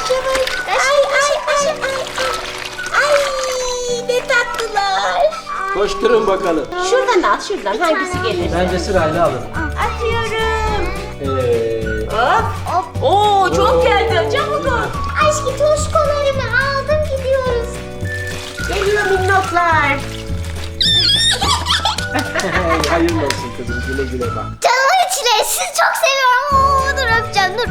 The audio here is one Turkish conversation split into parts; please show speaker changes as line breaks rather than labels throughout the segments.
Ay ne tatlılar.
Koşturun bakalım.
Şuradan al şuradan hangisi gelir?
Bence sırayla alın.
Atıyorum.
Evet.
Hop. Oo çok geldi. Çabuk ol.
Aşkı toşkolarımı aldım gidiyoruz.
Geliyor minnoklar.
Hayırlı olsun kızım. Güle güle bak.
Canımın içine sizi çok seviyorum. Oo, dur öpeceğim dur.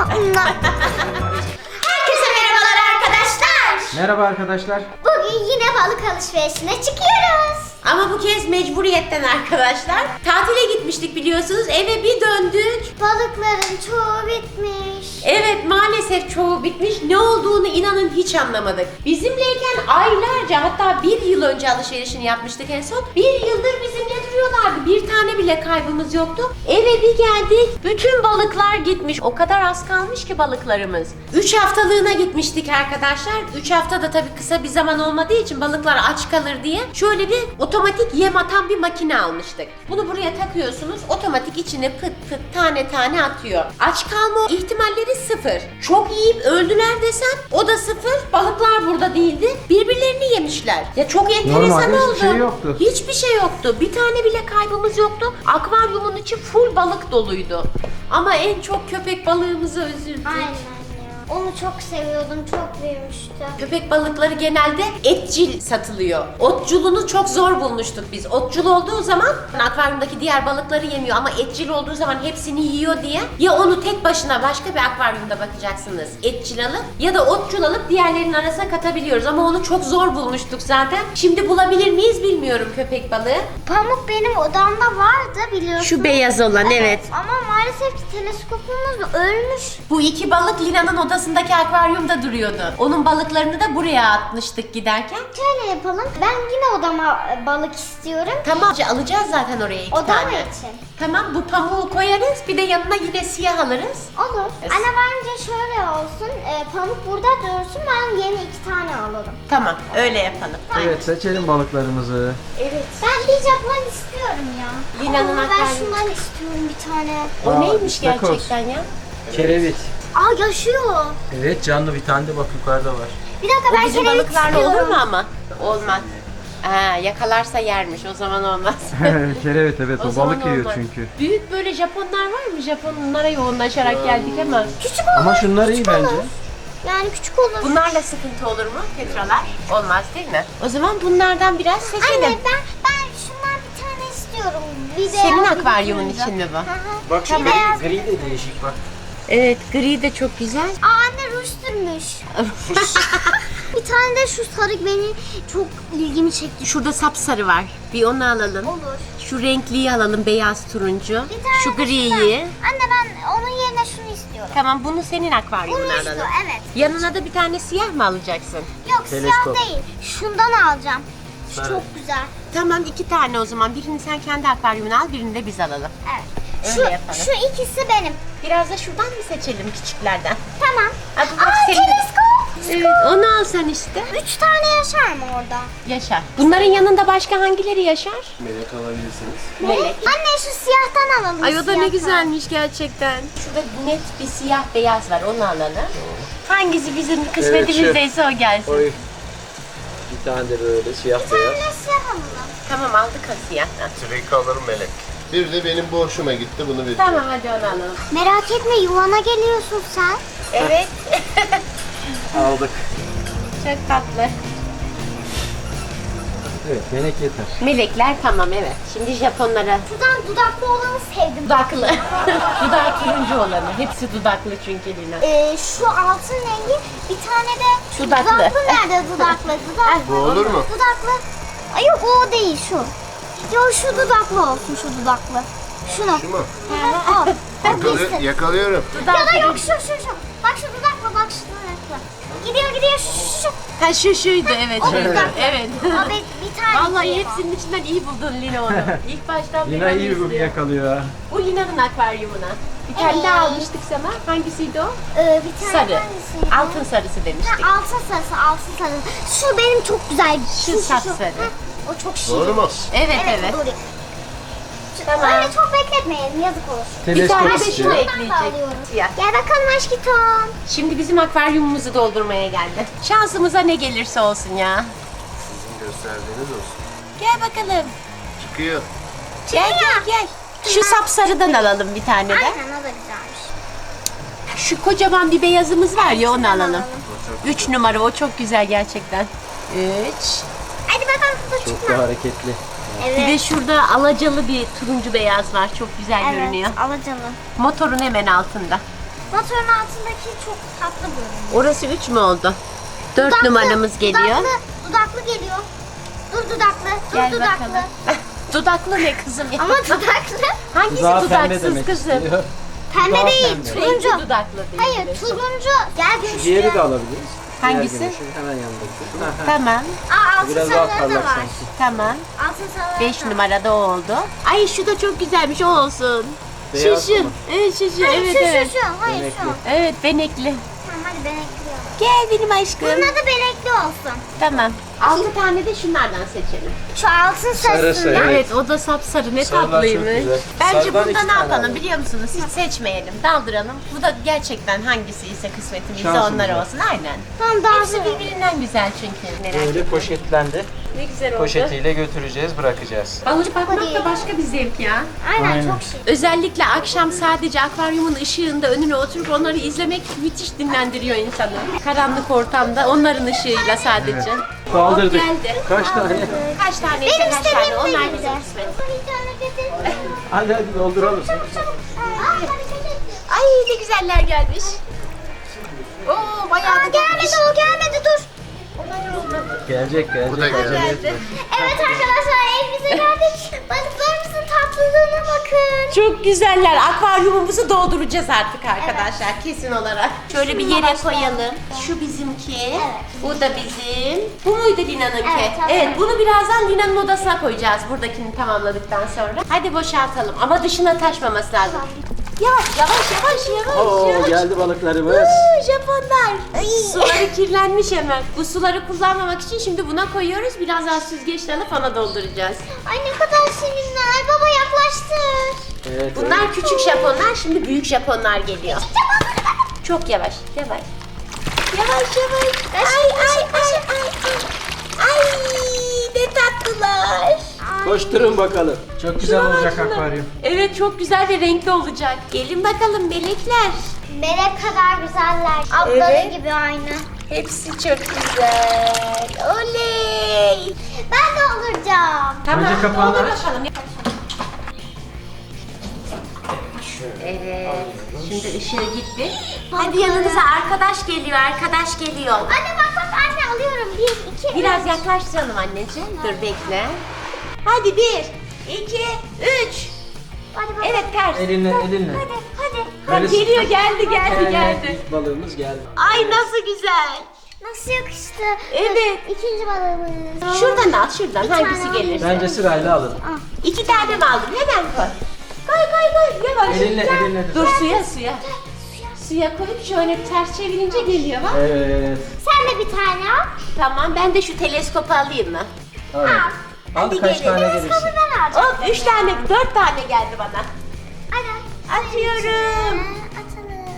Herkese merhabalar arkadaşlar.
Merhaba arkadaşlar.
Bugün yine balık alışverişine çıkıyoruz.
Ama bu kez mecburiyetten arkadaşlar. Tatile gitmiştik biliyorsunuz. Eve bir döndük.
Balıkların çoğu bitmiş.
Evet maalesef çoğu bitmiş. Ne olduğunu inanın hiç anlamadık. Bizimleyken aylarca hatta bir yıl önce alışverişini yapmıştık en son. Bir yıldır bizimle duruyorlardı. Bir tane bile kaybımız yoktu. Eve bir geldik. Bütün balıklar gitmiş. O kadar az kalmış ki balıklarımız. 3 haftalığına gitmiştik arkadaşlar. 3 hafta da tabii kısa bir zaman olmadığı için balıklar aç kalır diye şöyle bir otomatik yem atan bir makine almıştık. Bunu buraya takıyorsunuz. Otomatik içine pıt pıt tane tane atıyor. Aç kalma ihtimalleri sıfır. Çok yiyip öldüler desem o da sıfır. Balıklar burada değildi. Birbirlerini yemişler. Ya çok enteresan
Normalde
oldu.
hiçbir şey yoktu.
Hiçbir şey yoktu. Bir tane bile kaybımız yoktu. Akvaryumun içi full balık doluydu. Ama en çok köpek balığımızı üzüldük.
Aynen ya. Onu çok seviyordum. Çok büyümüştü.
Köpek balıkları genelde etçil satılıyor. Otçulunu çok zor bulmuştuk biz. Otçul olduğu zaman akvaryumdaki diğer balıkları yemiyor ama etçil olduğu zaman hepsini yiyor diye ya onu tek başına başka bir akvaryumda bakacaksınız etçil alıp ya da otçul alıp diğerlerinin arasına katabiliyoruz ama onu çok zor bulmuştuk zaten. Şimdi bulabilir miyiz bilmiyorum köpek balığı.
Pamuk benim odamda vardı biliyorsun.
Şu beyaz olan evet.
Ama maalesef ki teleskopumuz ölmüş.
Bu iki balık Lina'nın odasındaki akvaryumda duruyordu. Onun balıklarını da buraya atmıştık giderken.
Şöyle yapalım. Ben yine odama balık istiyorum.
Tamam alacağız zaten oraya iki
Odam
tane.
için.
Tamam bu pamuğu koyarız bir de yanına yine siyah alırız.
Olur.
Evet.
Anne bence şöyle olsun. Pamuk burada dursun. Ben yeni 2 tane alırım.
Tamam öyle yapalım.
Evet seçelim balıklarımızı.
Evet.
Ben bir Japon istiyorum ya.
Lina'nın
Ben
akvaryumu.
şundan istiyorum bir tane.
O
Aa,
neymiş
istakoz.
gerçekten ya?
Kerevit.
Aa yaşıyor.
Evet canlı bir tane de bak yukarıda var.
Bir dakika
O
ben
bizim
kerevit
balıklarla
istiyorum.
olur mu ama? Olmaz. Yakalarsa yermiş o zaman olmaz.
Kerevit evet o
zaman
balık yiyor
olmaz.
çünkü.
Büyük böyle Japonlar var mı? Japonlara yoğunlaşarak geldik ama.
Küçük olur.
Ama şunlar iyi bence.
Yani küçük olur.
Bunlarla sıkıntı olur mu Petralar? Olmaz değil mi? O zaman bunlardan biraz seçelim.
Anne ben şundan bir tane istiyorum. Bir de
Senin akvaryumun için mi bu?
Bak şu
Tamam.
gri de değişik bak.
Evet gri de çok güzel.
Aa anne ruj sürmüş. Bir tane de şu sarı beni çok ilgimi çekti.
Şurada sapsarı var. Bir onu alalım.
Olur.
Şu renkliyi alalım beyaz turuncu.
Bir tane
Şu
de şundan.
griyi.
Anne ben onun yerine şunu istiyorum.
Tamam bunu senin akvaryumuna
Bunu
alalım.
istiyorum evet.
Yanına da bir tane siyah mı alacaksın?
Yok
Teleskop.
siyah değil. Şundan alacağım. Şu
Evet.
çok güzel.
Tamam 2 tane o zaman. Birini sen kendi akvaryumuna al, birini de biz alalım.
Evet.
Öyle yapalım.
Şu ikisi benim.
Biraz da şuradan mı seçelim küçüklerden?
Tamam.
Ha, bu bak
Aa
senin.
teleskop.
Evet, onu al sen işte.
3 tane yaşar mı orada?
Yaşar. Bunların yanında başka hangileri yaşar?
Melek alabilirsiniz.
Melek.
Anne şu siyahtan alalım.
Ay o da ne
siyahtan.
güzelmiş gerçekten. Şurada net bir siyah beyaz var onu alalım. Hangisi bizim kısmetimizdeyse o gelsin.
Oy. Bir tane de böyle siyah
Bir tane
beyaz.
de siyah alalım.
Tamam aldık o siyahtan.
Direkt alırım melek. Bir de benim bu hoşuma gitti bunu bir.
Tamam hadi onu alalım.
Merak etme yuvana geliyorsun sen.
Evet.
Aldık.
Çok tatlı.
Evet melek yeter.
Melekler tamam evet. Şimdi Japonlara
Şuradan dudaklı olanı sevdim.
dudaklı. Dudağı turuncu olanı. Hepsi dudaklı çünkü Lina.
Şu altın rengi bir tane de şu
Dudaklı.
dudaklı nerede dudaklı?
Bu olur mu?
Dudaklı. Ay yok o değil şu. Yo şu dudaklı olsun şu dudaklı. Şunu.
Şu mu?
Al.
Yakalıyorum.
Ya da yok şu. Bak şu dudaklı bak şu dudaklı. Gidiyor şu.
Ha şuydu evet
O
şuydu.
dudaklı.
Evet.
Abi bir tane.
Vallahi
şey
hepsinin içinden iyi buldun Lina onu. İlk baştan
Lina
beri
iyi
onu
bir
istiyor.
yakalıyor ha.
Bu Lina'nın akvaryumuna. Bir tane daha almıştık sana. Hangisiydi o?
Bir tane
Sarı.
hangisiydi?
Altın sarısı demiştik.
Altın sarısı. Şu benim çok güzel.
Şu sapsarı.
Heh, o çok şirin.
Doğru mu?
Evet evet.
Doğru.
Tamam.
Öyle çok bekletmeyelim, yazık olur.
Bir
Teleskop
tane de şunu
istiyor.
ekleyecek. Siyah.
Gel bakalım aşkım.
Şimdi bizim akvaryumumuzu doldurmaya geldi. Şansımıza ne gelirse olsun ya.
Sizin gösterdiğiniz olsun.
Gel bakalım.
Çıkıyor.
Gel gel gel. Şu sapsarıdan alalım bir tane de.
Aynen, o da güzelmiş.
Şu kocaman bir beyazımız var ya, onu alalım.
alalım.
3 numara, o çok güzel gerçekten. 3.
Hadi bakalım, dur
Çok
çıkma.
da hareketli.
Evet.
Bir de şurada alacalı bir turuncu beyaz var. Çok güzel görünüyor.
Evet, alacalı.
Motorun hemen altında.
Motorun altındaki çok tatlı görünüyor.
Orası 3 mü oldu? 4
Dudaklı,
numaramız geliyor.
Dudaklı geliyor. Dur dudaklı, dur
Gel
dudaklı.
bakalım. Dudaklı ne kızım ya?
Ama dudaklı.
Hangisi
Dudağı pembe
dudaksız
demek
kızım?
istiyor.
Pembe
Dudağı
değil,
pembe.
turuncu.
Renkli dudaklı değil.
Hayır, turuncu. Gel
Şu
güçlü.
diğeri de alabiliriz.
Hangisi?
Diğer güneşin hemen yanındaki. Ha, ha.
Tamam,
Aa, altın
Biraz daha
sarıları da
parlak
var.
sanki.
tamam.
Altın sarıları
5
da var.
numarada o oldu. Ay şu da çok güzelmiş, o olsun.
Beyaz
Şu.
mı?
Evet şu.
Hayır,
Evet
şu,
evet.
şu. Hayır,
Benekli.
şu.
Evet, benekli.
Tamam, hadi benekli alalım.
Gel benim aşkım.
Bunun adı benekli olsun.
Tamam. 6 tane de şunlardan seçelim.
Şu altın sarısından.
sarı.
Evet, o da sapsarı, ne
Sarılar çok
tatlıymış.
güzel.
Bence
Sarıdan
bunda
iki
ne
tane
yapalım
alalım.
biliyor musunuz? Hiç seçmeyelim, daldıralım. Bu da gerçekten hangisi ise kısmetimizde
Şansımız
onlar
var.
olsun. Aynen.
Tamam, daha
Hepsi birbirinden güzel çünkü. Merak
Böyle
etme.
poşetlendi.
Ne güzel oldu.
Poşetiyle götüreceğiz, bırakacağız.
Balık bakmak
Hadi.
da başka bir zevk ya.
Aynen,
Aynen.
çok şık.
Özellikle akşam sadece akvaryumun ışığında önüne oturup onları izlemek müthiş dinlendiriyor insanı. Karanlık ortamda onların ışığıyla sadece.
Kaldırdık.
Geldi.
Kaç tane?
Kaç tane
Benim
kaç tane,
istediğim
onlar
de
bizim
güzel.
kısmet.
Bir tane getir.
Hadi hadi dolduralım.
Ay ne güzeller gelmiş. Oo bayağı da
Gelmedi, o gelmedi, dur.
Gelecek
Bu da
gelecek.
gelecek.
geldi.
Evet arkadaşlar, evimize geldik. Balıklarımızın tatlılığına bakın.
Çok güzeller. Akvaryumumuzu dolduracağız artık arkadaşlar kesin olarak. Şöyle bir yere koyalım. Şu bizimki. Bu da bizim. Bu muydu Lina'nınki?
Evet, tamam.
Evet, bunu birazdan Lina'nın odasına koyacağız buradakini tamamladıktan sonra. Hadi boşaltalım ama dışına taşmaması lazım. Yavaş yavaş.
Oo geldi balıklarımız.
Japonlar. Suları kirlenmiş hemen. Bu suları kullanmamak için şimdi buna koyuyoruz. Biraz daha süzgeçle alıp ona dolduracağız.
Ay ne kadar şirinler. Baba yaklaştır.
Evet.
Bunlar küçük Japonlar, şimdi büyük Japonlar geliyor. Çok yavaş. Yavaş. Ay ne tatlılar.
Koşturun bakalım. Çok güzel
Şuna bak,
olacak
şuna.
akvaryum.
Evet, çok güzel ve renkli olacak. Gelin bakalım melekler.
Melek kadar güzeller. Ablaları
Evet.
gibi aynı.
Hepsi çok güzel. Oley.
Ben de olacağım.
Tamam,
Önce kapağını
doldur
aç.
bakalım. Evet, şimdi ışığı gitti. Hadi yanınıza arkadaş geliyor.
Anne bak anne, alıyorum. 1, 2,
Biraz yaklaştıralım anneciğim. Dur bekle. Hadi 1, 2, 3.
Hadi bak.
Evet ters.
Elinle.
Hadi.
Ha, geliyor, geldi.
Evet, ilk balığımız geldi.
Ay nasıl güzel.
Nasıl yakıştı?
Evet.
İkinci balığımız.
Şuradan al, şuradan.
Bir
Hangisi
tane
gelirse.
Bence sırayla alın.
2 tane mi aldın? Hemen koy. Koy. Yavaş.
Elinle
Dur suya. Suya koyup şöyle ters çevirince geliyor bak.
Evet.
Sen de bir tane al.
Tamam, ben de şu teleskopu alayım mı?
Evet. Al
Hadi
kaç
gelin.
tane gelirse.
Ben alacağım.
Hop 3 tane, 4 tane geldi bana.
Hadi.
Atıyorum.
Atalım.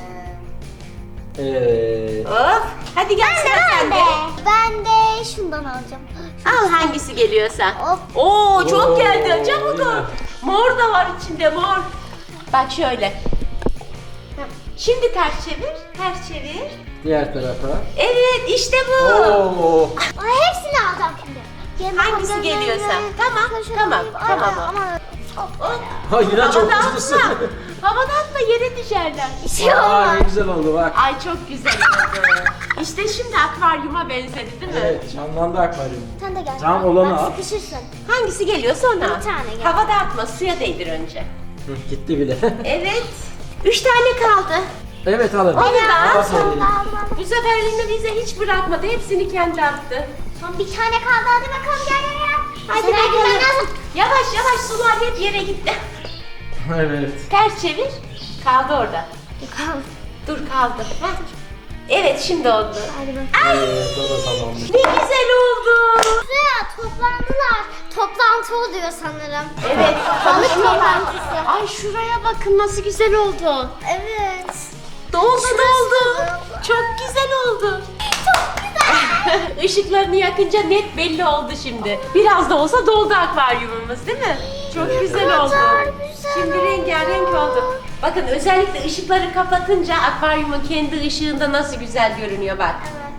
Evet.
Hop. Hadi gel sıra sende.
Ben de şundan alacağım.
Al hangisi geliyorsa.
Hop.
Oo çok
Oo,
geldi. Çabuk ol.
yine.
Mor da var içinde, mor. Bak şöyle. Heh. Şimdi ters çevir.
Diğer tarafa.
Evet, işte bu.
Oo.
Ay, hepsini alacağım şimdi.
Hangisi geliyorsa. Tamam o. Hop.
Ay yine çok
Havada
hızlısın.
atma. Havada atma, yere düşerler.
Aa ne güzel oldu bak.
Ay çok güzel oldu. İşte şimdi akvaryuma benzedi değil mi?
Evet canlandı akvaryum.
Sen de gel.
Tamam, olanı
Bak,
al.
sıkışırsın.
Hangisi geliyorsa ona.
Bir tane gel.
Havada atma, suya değdir önce.
Hı, gitti bile.
Evet. 3 tane kaldı.
Evet alın.
Onu da al.
Aferin.
Bu sefer Lina bize hiç bırakmadı. Hepsini kendi attı.
Son bir tane kaldı, hadi bakalım gel.
Hadi
Sen
bakalım.
gitmen lazım.
Yavaş sular hep yere gitti.
Evet.
Ters çevir. Kaldı orada. Dur kaldı. Heh. Evet şimdi oldu.
Hadi bakalım.
Ay
Evet o da tamammış.
ne güzel oldu.
Suya toplandılar. toplantı oluyor sanırım.
Evet.
Balık
konuşuyorlar.
toplantısı.
Ay şuraya bakın nasıl güzel oldu.
Evet.
Doldu
Şurası
doldu.
da.
Çok güzel oldu.
Çok güzel.
Işıklarını yakınca net belli oldu şimdi. Biraz da olsa doldu akvaryumumuz değil mi? Çok güzel oldu.
kadar güzel
Şimdi
oldu.
rengarenk oldu. Bakın özellikle ışıkları kapatınca akvaryumun kendi ışığında nasıl güzel görünüyor bak.
Evet.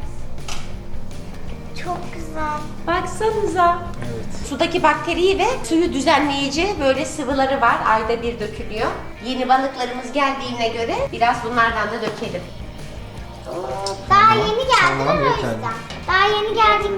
Çok güzel.
Baksanıza.
Evet.
Sudaki bakteriyi ve suyu düzenleyici böyle sıvıları var. Ayda bir dökülüyor. Yeni balıklarımız geldiğine göre biraz bunlardan da dökelim.
Daha yeni geldim
Tamam,
o
yeterli.
yüzden. Daha yeni geldim.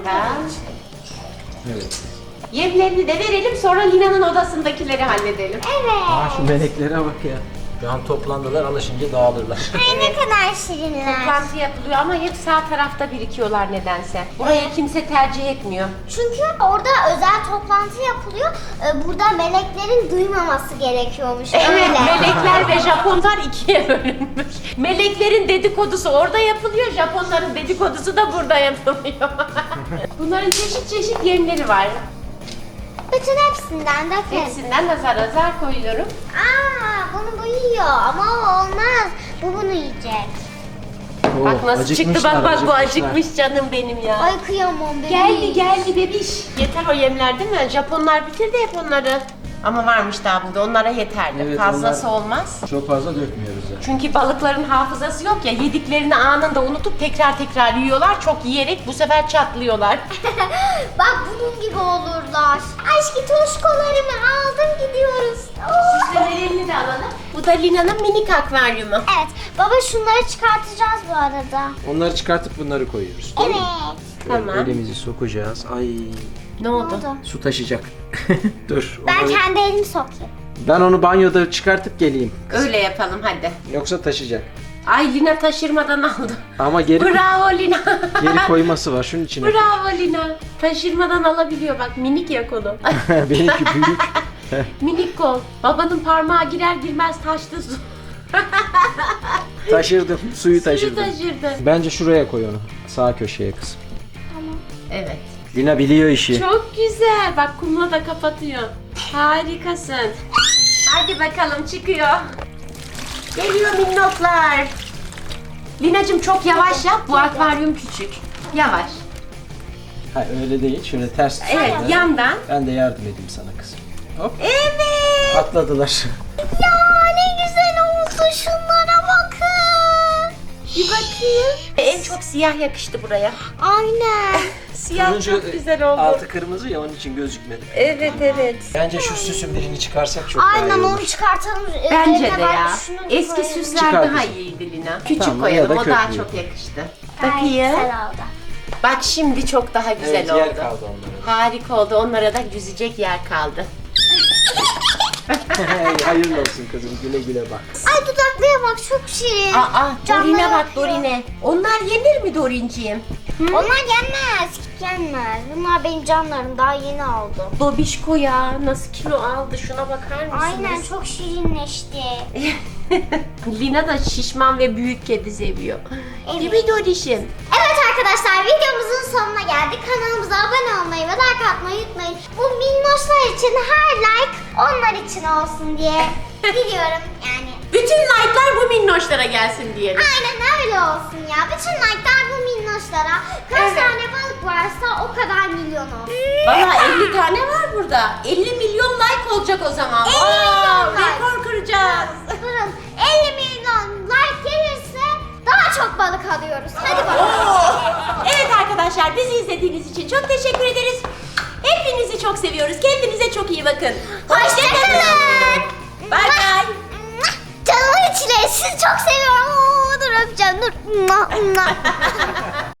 Evet.
Yemlerini de verelim sonra Lina'nın odasındakileri halledelim.
Aa, şu
Evet.
meleklere bak ya. Şu an toplandılar, alışınca dağılırlar.
Ay ne kadar şirinler.
Toplantı yapılıyor ama hep sağ tarafta birikiyorlar nedense. Burayı kimse tercih etmiyor.
Çünkü orada özel toplantı yapılıyor. Burada meleklerin duymaması gerekiyormuş.
Evet,
Öyle.
melekler ve Japonlar ikiye bölünmüş. Meleklerin dedikodusu orada yapılıyor, Japonların dedikodusu da burada yapılıyor. Bunların çeşit çeşit yemleri var.
Bütün hepsinden de
Hepsinden azar azar koyuyorum.
bunu bu yiyor ama o olmaz. Bu bunu yiyecek.
Oo,
Bak nasıl çıktı,
acıkmışlar,
bak bu
acıkmışlar.
acıkmış canım benim ya.
Ay kıyamam bebeğim.
Geldi geldi bebiş. Yeter o yemler değil mi? Japonlar bitirdi hep onları. Ama varmış daha burada, onlara yeterli.
Evet,
Fazlası
onlar-
olmaz.
Çok fazla dökmüyoruz yani.
Çünkü balıkların hafızası yok ya, yediklerini anında unutup tekrar yiyorlar. Çok yiyerek bu sefer çatlıyorlar.
Bak bunun gibi olurlar. Aşkı toşkolarımı aldım gidiyoruz. Oo.
Süslemelerini de alalım. Bu da Lina'nın minik akvaryumu.
Evet baba şunları çıkartacağız bu arada.
Onları çıkartıp bunları koyuyoruz. değil mi?
Evet.
Şöyle
Tamam.
Elimizi sokacağız. Ay,
Ne oldu?
oldu?
su taşıyacak. Dur.
Ben
onu-
kendi elimi sokayım.
Ben onu banyoda çıkartıp geleyim.
Öyle yapalım hadi.
Yoksa taşıyacak.
Ay Lina taşırmadan aldı.
Ama geri
Bravo Lina.
geri koyması var şunun içine.
Bravo Lina. Taşırmadan alabiliyor bak, minik ya kolu.
Benimki büyük.
Minik kol. Babanın parmağı girer girmez taştı su.
Taşırdım. Suyu
Suyu
taşırdım.
taşırdı.
Bence şuraya koy onu. Sağ köşeye kızım.
Evet.
Lina biliyor işi.
Çok güzel. Bak kumla da kapatıyor. Harikasın. Hadi bakalım çıkıyor. Geliyor minnoklar. Linacığım çok yavaş yap. Bu akvaryum küçük. Yavaş.
Ha, öyle değil. Şöyle ters tut.
Evet
şöyle.
yandan.
Ben de yardım edeyim sana kızım. Hop.
Evet.
Atladılar.
Ya ne güzel oldu şunlara bakın.
Bir bakayım. En çok siyah yakıştı buraya.
Aynen.
Siyah
Turuncu,
çok güzel oldu.
altı kırmızı ya, onun için gözükmedi.
Evet evet.
Bence şu süsün birini çıkarsak çok daha iyi
Aynen
olur.
onu çıkartalım.
Bence
Yerine
de
ben
ya.
şunu
Eski
koyayım.
süsler
Çıkar
daha
kızım.
iyiydi Lina. Küçük
Tamam,
koyalım,
ya da
o daha
köklü.
çok yakıştı.
Gayet
Bakayım.
güzel oldu.
Bak şimdi çok daha güzel
Evet,
oldu.
yer kaldı onlara.
Harika oldu. Onlara da yüzecek yer kaldı.
Hayırlı olsun kızım, güle güle bak.
Ay dudaklıya bak çok şirin.
Aa,
Canları
Dorine bak
akıyor.
Dorine. Onlar yenir mi Dorinciğim?
Onlar yenmez. Yenmez. Bunlar benim canlarım daha yeni aldım.
Dobişko ya. Nasıl kilo aldı? Şuna bakar mısınız?
Aynen çok şirinleşti.
Lina da şişman ve büyük kedi seviyor.
Evet.
Değil mi Doriş'im?
Evet arkadaşlar videomuzun sonuna geldik. Kanalımıza abone olmayı ve like atmayı unutmayın. Bu minnoşlar için her like onlar için olsun diye biliyorum yani.
Bütün like'lar bu minnoşlara gelsin diyelim.
Aynen öyle olsun ya. Bütün like'lar bu minnoşlara. Kaç
Evet.
tane balık varsa o kadar milyon olsun.
Valla 50 tane var burada. 50 milyon like olacak o zaman.
50 milyon like.
Rekor kıracağız.
Durun 50 milyon like gelirse daha çok balık alıyoruz. Hadi bakalım.
Evet arkadaşlar, bizi izlediğiniz için çok teşekkür ederiz. Hepinizi çok seviyoruz. Kendinize çok iyi bakın.
Hoşçakalın.
Bay bay.
Canımın içleri sizi çok seviyorum. Dur öpeceğim dur.